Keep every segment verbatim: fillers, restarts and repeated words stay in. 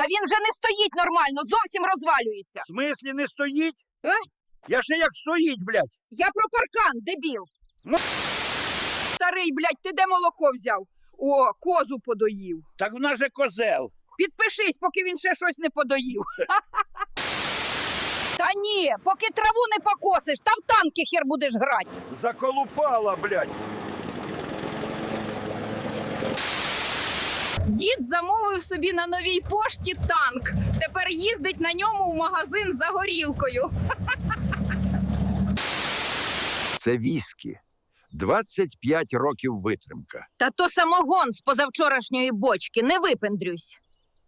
він вже не стоїть нормально, зовсім розвалюється. В смислі не стоїть? А? Я ще як стоїть, блядь. Я про паркан, дебіл. Ну. Старий, блядь, ти де молоко взяв? О, козу подоїв. Так в нас же козел. Підпишись, поки він ще щось не подоїв. Та ні, поки траву не покосиш, та в танки хер будеш грати. Заколупала, блядь. Дід замовив собі на новій пошті танк. Тепер їздить на ньому в магазин за горілкою. Це віскі. двадцять п'ять років витримка. Та то самогон з позавчорашньої бочки, не випендрюсь.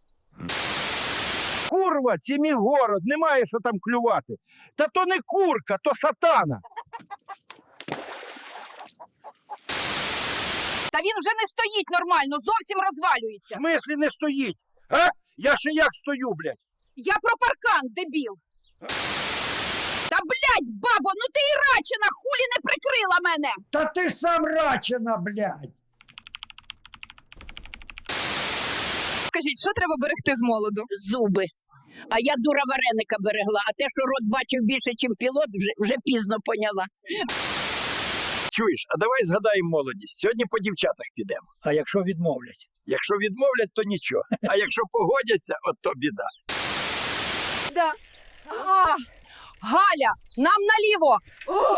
Курва, це мій город, немає що там клювати. Та то не курка, то сатана. Та він вже не стоїть нормально, зовсім В розвалюється. смислі не стоїть? А? Я ще як стою, блядь. Я про паркан, дебіл. Та, блядь, бабо, ну ти і рачина, хулі не прикрила мене. Та ти сам рачина, блядь! Скажіть, що треба берегти з молоду? Зуби. А я дура вареника берегла, а те, що рот бачив більше, ніж пілот, вже, вже пізно поняла. Чуєш, а давай згадаємо молодість. Сьогодні по дівчатах підемо. А якщо відмовлять? Якщо відмовлять, то нічого. А якщо погодяться, от то біда. Да. А, Галя, нам наліво. О!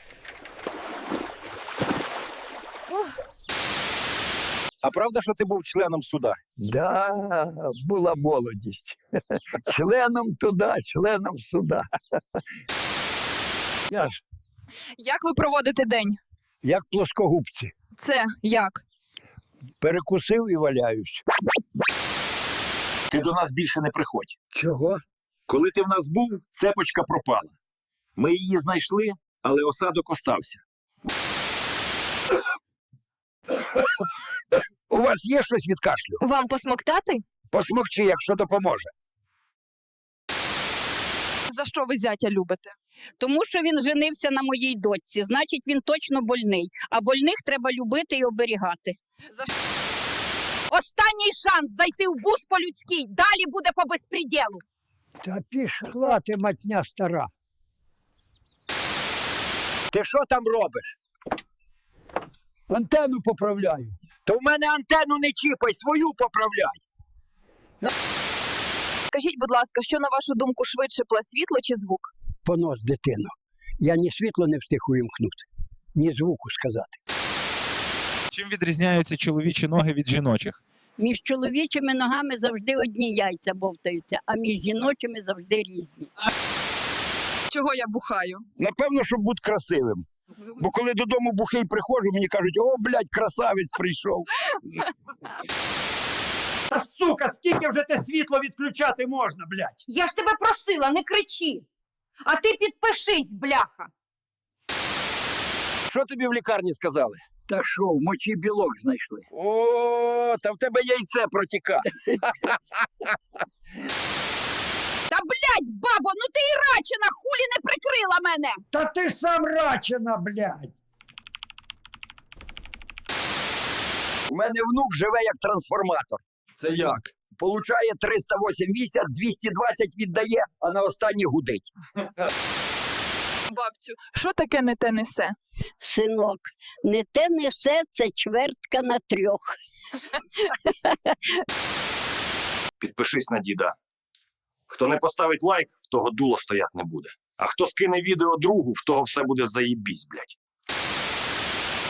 А правда, що ти був членом суда? Да, була молодість. Членом туди, членом сюди. Я ж Як ви проводите день? як плоскогубці. Це як? Перекусив і валяюсь. Ти до нас більше не приходь. Чого? Коли ти в нас був, цепочка пропала. Ми її знайшли, але осадок остався. У вас є щось від кашлю? Вам посмоктати? Посмокчи, якщо допоможе. За що ви зятя любите? Тому що він женився на моїй дочці, значить він точно больний. А больних треба любити і оберігати. За що? Останній шанс зайти в бус по-людській, далі буде по безпреділу. Та пішла ти, матня стара. Ти що там робиш? Антенну поправляю. То в мене антенну не чіпай, свою поправляй. Скажіть, будь ласка, що, на вашу думку, швидше пле, світло чи звук? Понос, дитино. Я ні світло не встиг увімкнути, ні звуку сказати. Чим відрізняються чоловічі ноги від жіночих? Між чоловічими ногами завжди одні яйця бовтаються, а між жіночими завжди різні. Чого я бухаю? Напевно, щоб бути красивим. Бо коли додому бухий приходжу, мені кажуть, о, блядь, красавець прийшов. Та, сука, скільки вже те світло відключати можна, блядь? Я ж тебе просила, не кричи. А ти підпишись, бляха. Що тобі в лікарні сказали? Та що, в мочі білок знайшли. О, та в тебе яйце протікає. Та, блядь, бабо, ну ти і рачина, хулі не прикрила мене. Та ти сам рачина, блядь! У мене внук живе як трансформатор. Це як? Получає триста вісімдесят, двісті двадцять віддає, а на останній гудить. Бабцю, що таке не те несе? Синок, не те несе, це чвертка на трьох. Підпишись на діда. Хто не поставить лайк, в того дуло стоять не буде. А хто скине відео другу, в того все буде заєбісь, блядь.